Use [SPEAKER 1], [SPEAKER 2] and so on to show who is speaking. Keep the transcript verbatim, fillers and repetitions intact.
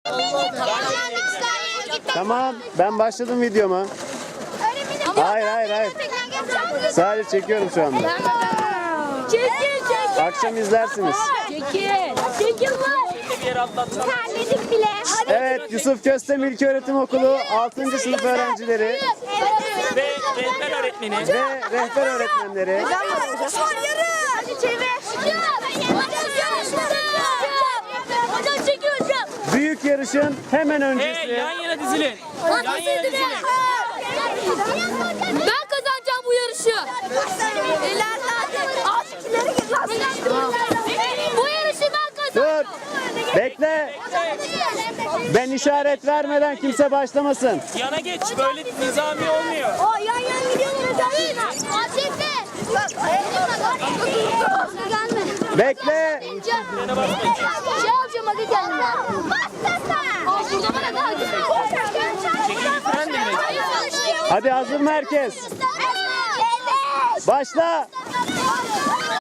[SPEAKER 1] Tamam, ben başladım videoma. Hayır, hayır, hayır. Sadece çekiyorum şu anda.
[SPEAKER 2] Çekil, çekil.
[SPEAKER 1] Akşam izlersiniz.
[SPEAKER 2] Çekil. Çekil lan. Terledik bile.
[SPEAKER 1] Evet, Yusuf Köstem İlköğretim Okulu altıncı sınıf öğrencileri
[SPEAKER 3] Ve rehber öğretmeni.
[SPEAKER 1] ve rehber öğretmenleri
[SPEAKER 2] Hadi çevir. Hocam çekiyor hocam.
[SPEAKER 1] büyük yarışın hemen
[SPEAKER 3] Hey,
[SPEAKER 1] öncesi
[SPEAKER 3] yan yana dizilin. Yan yana dizilin.
[SPEAKER 2] Ben kazanacağım bu yarışı. Bu yarışı ben kazanacağım.
[SPEAKER 1] Dur, bekle. Ben işaret vermeden kimse başlamasın.
[SPEAKER 3] Yana geç. Böyle nizami olmuyor.
[SPEAKER 2] O yan yan gidiyorlar hocam. Acele. Gelme.
[SPEAKER 1] Bekle.
[SPEAKER 3] Frene basmayın.
[SPEAKER 2] Şey alacağım hadi gelme. Aa burada bana daha güzel.
[SPEAKER 3] Çekil fren de mi?
[SPEAKER 1] Hadi hazır mı herkes? Başla.